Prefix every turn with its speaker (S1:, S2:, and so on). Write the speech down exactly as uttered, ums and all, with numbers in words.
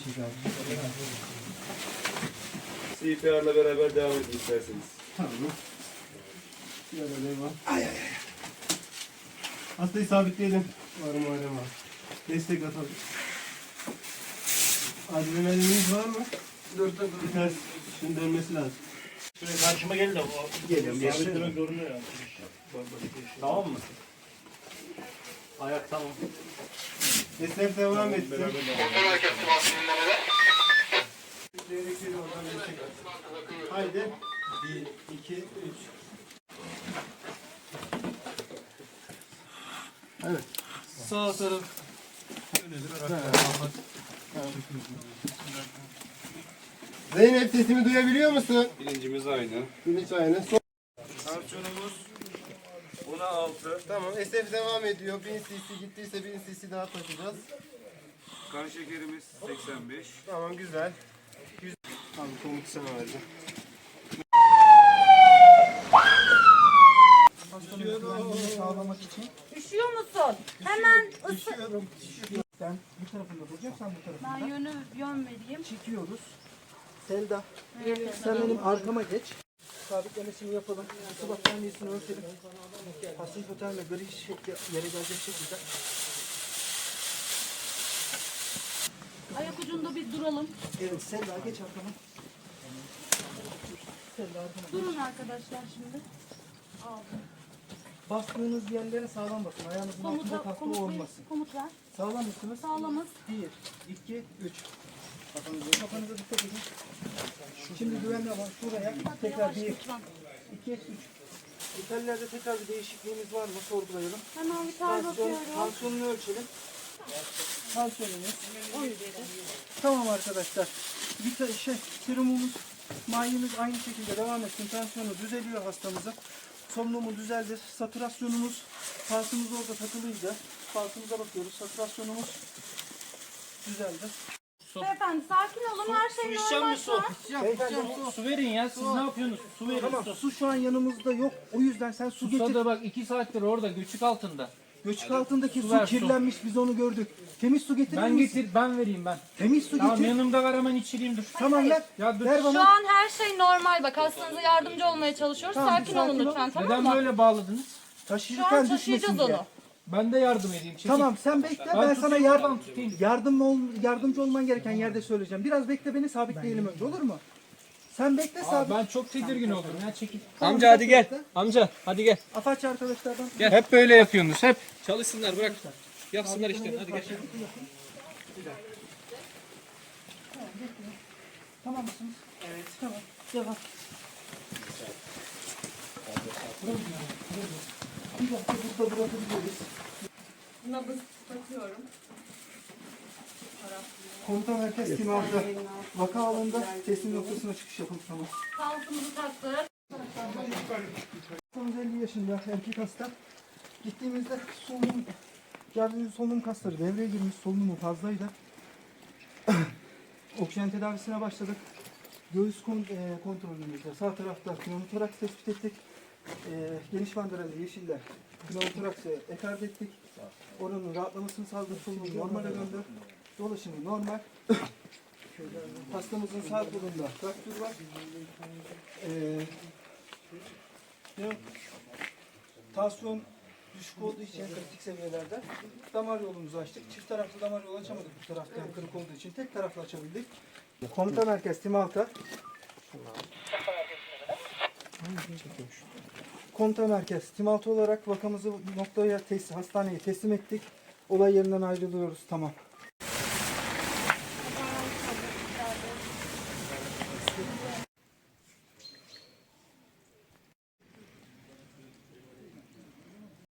S1: çek abi.
S2: C P R'la beraber devam edin isterseniz.
S1: Tamam. Şöyle devam. Ay ay ay. Hastayı sabitleyelim. Var mı var mı? Destek atalım. Adrenalinimiz var mı? Dur dur dur. Ters. Şimdi dönmesi lazım.
S3: Şuraya karşıma gelin de o.
S1: Geliyorum.
S3: Sabitlemek zorunda ya. Tamam mı? Ayak tamam.
S1: Destek devam etsin. Haydi. Bir, iki, üç. Evet. Sağ taraf. Zeynep sesimi duyabiliyor musun?
S2: Bilincimiz aynı.
S1: Bilinç aynı. Son.
S2: Tansiyonumuz ona altı.
S1: Tamam. S F devam ediyor. bin cc gittiyse bin cc daha takacağız.
S2: Kan şekerimiz seksen beş.
S1: Tamam güzel. Güzel. Abi komut sana vereceğim. Sağlamak için.
S4: Üşüyor musun? Hemen ısı...
S1: Üşüyorum. Sen bu tarafında duracaksın, sen bu tarafında.
S4: Ben yönü, yön vereyim.
S1: Çekiyoruz. Selda, sen benim arkama geç. Sabitlemesini yapalım. Su battaniyesini örtelim. Pasif otel ve gri şekli yere gelecek şekilde.
S4: Ayak ucunda bir duralım.
S1: Evet, Selda geç arkama. Selda arkama.
S4: Durun arkadaşlar şimdi. Aldım.
S1: Bastığınız yerlere sağlam basın. Ayağınızın altında
S4: Komuta,
S1: taklı
S4: komut, ver,
S1: olmasın.
S4: komut ver.
S1: Sağlam mısınız?
S4: Sağlamız.
S1: Bir, iki, üç. Kafanıza, kafanıza dikkat edin. Şimdi güvenli alan şuraya.
S4: Hadi
S1: Tekrar
S4: yavaş
S1: bir,
S4: lütfen.
S1: iki, üç. İtalya'da tekrar bir değişikliğimiz var mı? Sorgulayalım.
S4: Hemen bir tar
S1: Tansiyon,
S4: bakıyorum.
S1: tansiyonunu ölçelim. Tansiyonumuz on yedi. Tamam arkadaşlar. Bir ta- şey, serumumuz, mayemiz aynı şekilde devam etsin. Tansiyonu düzeliyor hastamızın. Solunumu düzeldir. Satürasyonumuz, pulsumuz orada takılıydı. Pulsumuza bakıyoruz. Satürasyonumuz düzeldi.
S4: Beyefendi sakin olun. Her şey normal şu an.
S1: Beyefendi,
S3: Su verin ya. Siz ne yapıyorsunuz? Su verin.
S1: tamam, su şu an yanımızda yok. O yüzden sen su getir.
S3: Susa da bak iki saattir orada göçük altında.
S1: Göçük altındaki su,
S3: ver, su.
S1: kirlenmiş. Biz onu gördük. Temiz su getirir
S3: Ben
S1: misin?
S3: getir, ben vereyim ben.
S1: Temiz su
S3: Tamam
S1: getir.
S3: yanımda var hemen içireyim dur.
S1: Tamam ver.
S3: Ya dur.
S1: Ver
S4: Şu
S1: bana.
S4: an her şey normal. Bak hastanıza yardımcı olmaya çalışıyoruz.
S1: Tamam,
S4: sakin,
S1: sakin
S4: olun
S1: ol.
S4: lütfen, tamam
S3: Neden
S4: mı?
S3: böyle bağladınız?
S4: Şu
S1: Taşırken
S4: an
S1: düşmesin
S4: taşıyacağız
S1: diye.
S4: onu.
S3: Ben de yardım edeyim. Çekil.
S1: Tamam sen bekle. Ben,
S3: Ben
S1: sana
S3: tutayım,
S1: yardım
S3: oradan tutayım.
S1: yardım ol, yardımcı olman gereken yerde söyleyeceğim. Biraz bekle, beni sabitleyelim önce, olur mu? Sen bekle,
S3: Aa,
S1: sabit.
S3: ben çok tedirgin oldum ya çekil.
S1: Tamam,
S5: Amca hadi gel.
S1: bekle.
S5: Amca hadi gel.
S1: Apache arkadaşlardan.
S5: Gel. Hep böyle yapıyorsunuz hep. Çalışsınlar bırak. Yapsınlar işte hadi gel.
S1: Tamam mısınız? Evet. Tamam. Devam. Bir dakika burada bırakabiliriz.
S4: Nabız takıyorum.
S1: Komutan merkez kimi aldı? Vaka alanında teslim noktasına çıkış yapın, tamam.
S4: Kalkımızı taktık.
S1: Hastamız elli yaşında, erkek hasta. Gittiğimizde solunum, geldiğimizde solunum kasları devreye girmiş, solunumu fazlaydı. Oksijen tedavisine başladık. Göğüs kon, e, kontrolümüzde sağ tarafta pneumotoraks tespit ettik. E, geniş bandıralı yeşiller pneumotoraksı ekart ettik. Oranın rahatlamasını sağladık, solunumu normale döndü. Dolaşımı normal. Hastamızın sağ kolunda fraktür var. E, ne? Tansiyon düşük olduğu için kritik seviyelerde damar yolumuzu açtık. Çift taraflı damar yolu açamadık bu tarafta kırık olduğu için. Tek taraflı açabildik. Komuta merkez Tim Alta. Komuta merkez Tim Alta olarak vakamızı noktaya tes hastaneye teslim ettik. Olay yerinden ayrılıyoruz. Tamam.